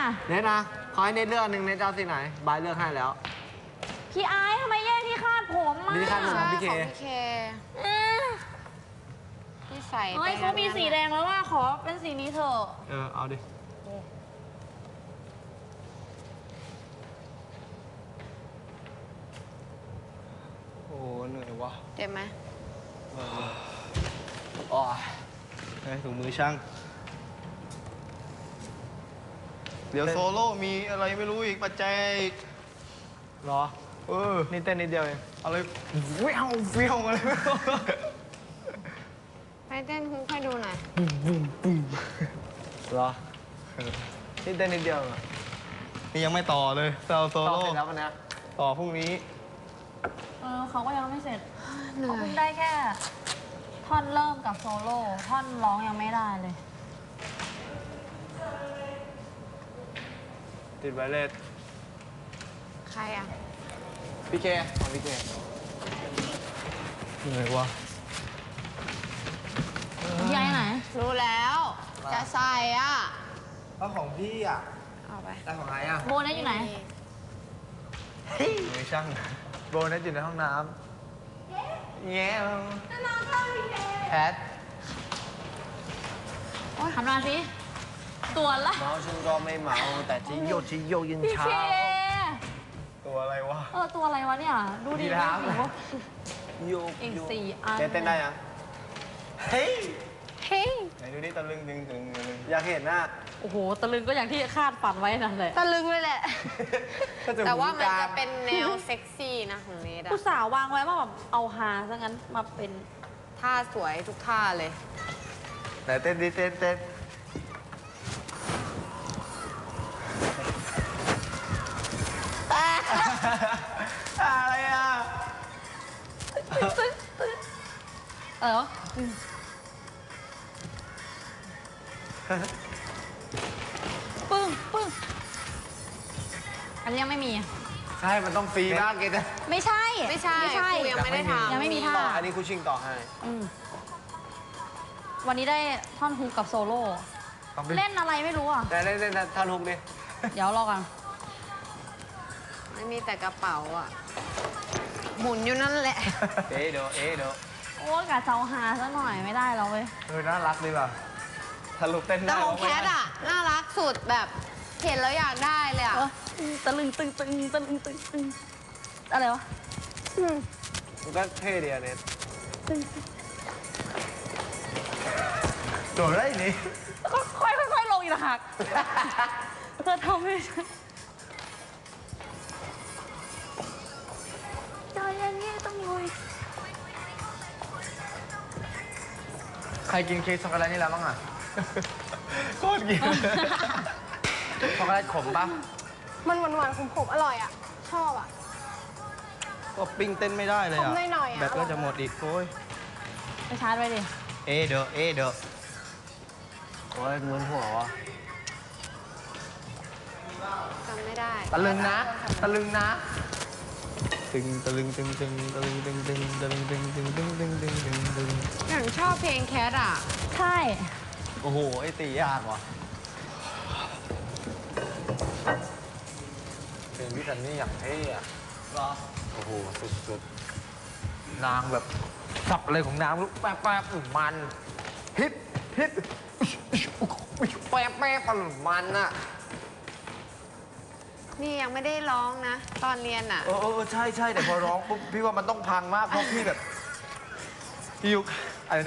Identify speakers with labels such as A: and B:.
A: เน็ตนะขอให้เน็ตเลือกหนึ่งเน็ตเจ้าสีไหนบายเลือกให้แล้ว
B: พี่ไอซ์ทำไมแย่งที่คาดผมมา
A: นี่คาดผมของพี่เค
C: ที่ใส่
B: เฮ้ยเขามีสีแดงแล้วว่าขอเป็นสีนี้เถอะ
A: เอาดิโอ้เหนื่อยวะ
C: เจ็บไหม
A: อ๋อถุงมือช่างเดี๋ยวโซโล่มีอะไรไม่รู้อีกปัจจัยอีกหรอนี่เต้นนิดเดียวเองอะไรเวี้ยวเวี้ยวอะไรไม่รู้
C: ไปเต้นฮุกให้ดูหน่อย
A: หรอนี่เต้นนิดเดียวนี่ยังไม่ต่อเลยโซโล่ต่อเสร็จแล้ววันนี้ต่อพรุ่งนี้
B: เขาก็ยังไม่เสร็จ
C: เหนื่
B: เขา
C: อย
B: เพิ่งได้แค่ท่อนเริ่มกับโซโล่ท่อนร้องยังไม่ได้เลย
A: ติดไวเลส
C: ใครอ่ะ
A: พี่เคของพี่เคเหนื่อยวะ
B: พี่ไอซ์ไหน
C: รู้แล้ว จะใส่อ่ะ
A: แล้วของพี่อ่ะ
C: เอาไป
A: แล้วของไอ้อ่ะ
B: โบนัสอยู่ไหน
A: มือช่างโบนัสอยู่ในห้องน้ำแง่แพท
B: ทำหน้าสิตัวละ
A: เมาฉันก็ไม่เมาแต่ที่โยกยิน
B: พี่
A: เช้า
B: เค
A: ตัวอะไรวะ
B: ตัวอะไรวะเนี่ย ดูดิ
A: ยีราฟ โยก
B: อีก4 อัน
A: เต้นได้ยังเฮ้ย
C: เฮ้ย
A: ไหนดูนี่ตะลึงอยากเห็นหน้า
B: โอ้โห ตะลึงก็อย่างที่คาดฝันไว้นั่นแหละ
C: ตะลึงเลยแหละ
A: ก็จะ
C: แต่ว่ามัน
A: หูกล
C: จะ
A: ง
C: เป็นแนวเซ็กซี่นะของเนทอะ
B: ผู้สาววางไว้ว่าแบบเอาฮาซะงั้นมาเป็น
C: ท่าสวยทุกท่าเลย
A: ไหนเต้นดิเต้นอะไรอ่ะ
B: เออปึ้งอันนี้ยังไม่มี
A: ใช่ มันต้องฟรีมากเกต
B: ไม่ใช่
C: ไม่ใช่ครูยังไม่ได้ทำ
B: ยังไม่มีท่า
A: ต่ออันนี้ครูชิงต่อให้
B: วันนี้ได้ท่อนฮุกกับโซโล่ เล่นอะไรไม่รู้อ่ะ
A: แต่เล่นท่านฮุกดิ
B: เดี๋ยวรอกัน
C: ไม่มีแต่กระเป๋าอ่ะ หมุนอยู่นั่นแหละ
A: เอ๊ะเดี๋ยว
B: โอ้กะเซาฮาซะหน่อยไม่ได้แล้วเว้ย
A: น่ารักดีว่ะทะลุเต้น
C: แต่
A: ได้
C: ของแคทอ่ะ น่ารักสุดแบบเห็นแล้วอยากได้เลยอ่ะ
B: ตะลึงตึงอะไรวะ
A: มันก็เท่ดีอะเน็ตโดดได้นี่
B: แล้วก็ค่อยลงอีกหักเธอทำไม่ใช่ใจเย็นๆต้องลุย
A: ใครกินเค้กช็อกโกแลตนี่แล้วบ้างอ่ะโคตรกินช็อกโกแลตขมปะ
D: มันหวานๆขมๆอร่อยอ่ะ ชอบอ่ะ
A: ก็ปิ้งเต้นไม่ได้เลยอ่ะ
D: ขมหน่อยๆอะ
A: แบตก็จะหมดอีกโอ้ย
B: ไปชาร์จไว้ดิ
A: เดอโอ้ยเหมือนหัววะ
C: จำไม่ได้
A: ตะลึงนะตะลึง
C: อย่างชอบเพลงแคทอ่ะ
B: ใช่
A: โอ้โหไอ้ตียากว่ะเพลงพี่ซันนี่อย่างเท่อะเหรอโอ้โหสุดๆนางแบบสับอะไรของนางลูกแป๊บมันฮิปแป๊บมันอะ
C: นี่ยังไม่ได้ร้องนะ ตอนเรียนอ่ะ
A: ใช่แต่พอร้องปุ๊บพี่ว่ามันต้องพังมากเพราะพี่แบบพี่ยุก